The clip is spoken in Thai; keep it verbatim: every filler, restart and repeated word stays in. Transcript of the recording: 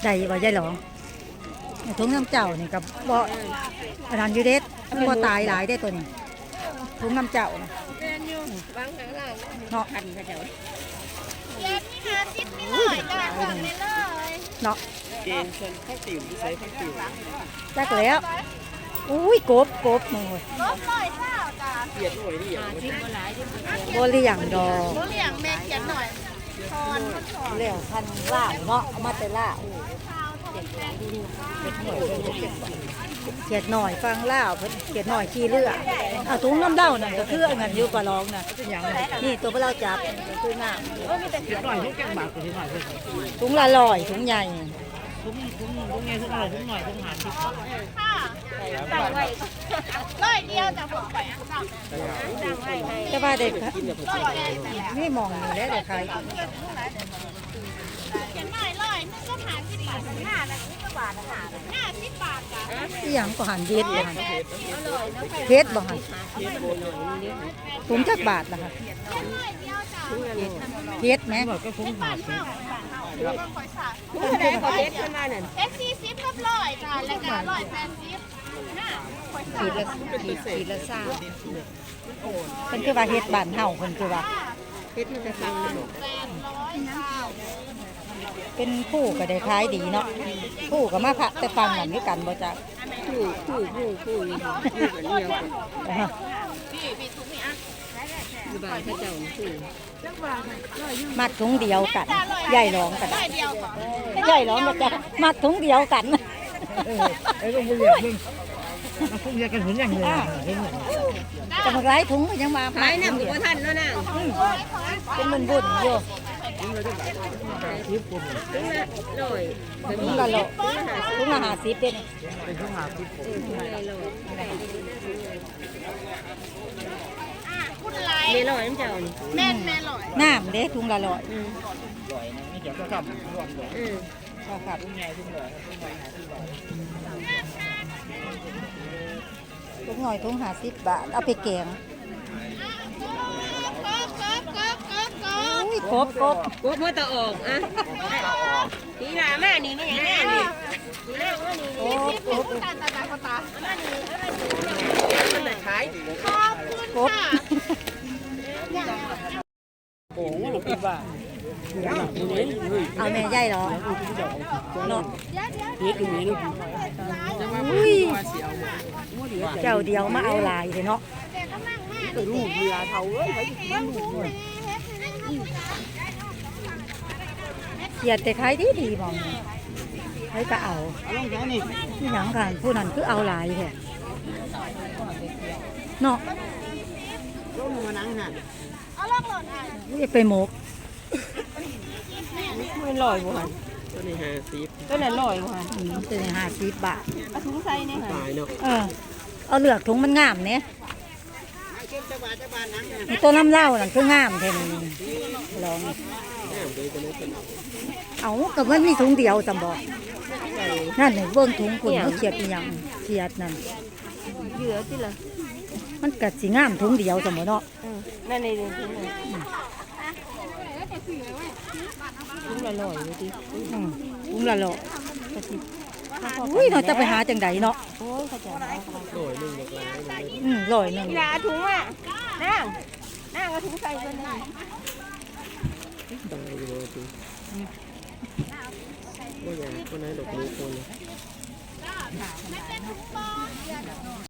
ได้บ่ยายหลองถุงน้ำเจ้านี่กับบ่อันนั้นอยู่เด็ดบ่ตายหลายได้ตัวนี้ถุงน้ำเจ้านะเนาะพันกระเจ้าเย็นนี่ค่ะสิบนี่เลยจ้าสั่งเลยเลยเนาะเกณฑ์ชนข้าวติ๋วใส่ข้าวติ๋วจักแล้วอุ้ยกบกบมึงเว้ยลบร้อยเศร้าจ้าเกียดหน่วยนี่อย่างบ่เลี้ยงดอกโบเลี้ยงแม่เขียนหน่อยทอนทอนเลี้ยงพันล่าเนาะเอามาแต่ล่าเขียดหน่อยฟังล่าเพิ่นเขียดหน่อยขี้เลือดเอาถุงน้ำเด้านั่นก็คืออันนั้นอยู่ปลาร้องน่ะนี่ตัวปลาเราจับก็คือน้ำเกียดหน่อยทุกแกงบาทตัวที่หน่อยเลยถุงละลอยถุงใหญ่ทุกทุกทุกไงทุกหน่อยทุกหน่อยทุกหาสิบค่ะสั่งไว้ร้อยเดียวจะบอกไปสั่งไว้ให้แต่ว่าเด็กร้อยเดียวนี่มองนี่แหละเด็กใครเขียนหน่อยร้อยนึงก็หาสิบบาทห้าละสิบบาทห้าสิบบาทจ้ะที่ยังก็หันเย็ดบ่หันเพชรบ่หันถุงจักบาทล่ะค่ะเพชรไหมก็คุ้มหาสิบผู้ใดขอเพชรขึ้นมาหนึ่งเพชรสี่สิบกับร้อยจ้ะแล้วก็ร้อยแปดสิบห้าขีดละขีดละซ่าเพิ่นคือว่าเฮ็ดบ้านเฮาเพิ่นคือว่าเพชรมันจะฟังแปดร้อยเก้าเป็นผู้ก็ได้ขายดีเนาะผู้ก็มาพระแต่ฟังนั่นคือกันบ่จักผู้ผู้ผู้ผู้อยู่กันเดียวกันอยู่บ้านพระเจ้าผู้มัดถุงเดียวกันใหญ่ร้องกันร้อยเดียวก่อนใหญ่ร้องก็จะมัดถุงเดียวกันไอ้ลูกผู้ใหญ่มึงมาคุ้มยากันหุ่นอย่างเลยเห็นไหมจะมาไล่ถุงก็ยังมาหายน้ำกับท่านแล้วนะเป็นบุญบุญอยู่ทิพย์คนลอยถุงละโลถุงละห้าสิบเป็นเป็นผู้หาทิพย์คนคุณไรเมลอยน้ำเจ้านี่แม่นแม่ลอยน้ำเด้ถุงละร้อยลอยนะไม่เกี่ยวกับคำรวมเลยอือครับทุ่งใหญ่ทุ่งลอยทุ่งใหญ่หาที่ลอยถุงหน่อยถุงห้าสิบบาทเอาไปแกงกบกบกบกบกบอุ้ยครบครบกูเมื่อตะออกอ่ะทีหน้าแม่นี่ไม่อย่างนี้นี่ทีหน้าว่านี่ครบครบตาตาตาตาตามันไหนขายขอบคุณครบค่ะโอ้โหหลงปีบ้าเอาแม่ใหญ่เหรอเนาะเฮ็ดตรงนี้ลูกอุ้ยเจ้าเดียวมาเอาลายเลยเนาะตัวลูกเวลาเท่าเอ้ยเกียดแต่ขายดีดีมองให้ก็เอาเอาลงแค่นี้ที่หนังกันผู้นั้นคือเอาลายแท้เนาะลงมานั่งหันเอาล่องหล่นอ่ะอย่าไปหมกมันลอยบ่หันตัวนี้ห้าสิบตัวนั้นลอยบ่หันอืมเป็นห้าสิบบาทเอาถุงใส่นี่หันตายเนาะเออเอาเหลือกถุงมันงามเนี่ยตัวน้ำเหล้านั่นคืองามแท้นี่ลอง เอากับมันมีถุงเดียวจำบอกนั่นหนึ่งเบิ้งถุงคุณเขาเขียดอีหยังเขียดนั่นเหลือสิล่ะมันกัดสีงามถุงเดียวจำบอกเนาะนั่นนี่ถุงถุงละลอยเลยดิอืมถุงละโลอุ้ยเราจะไปหาจังใดเนาะโอ้ยเขาจะเอาลอยนึงบอกลายอืมลอยหนึ่งกีฬาถุงอ่ะนั่งนั่งเอาถุงใส่ตัวนี้ตายเลยถุงว่าอย่างคนไหนดอกนิ้วคน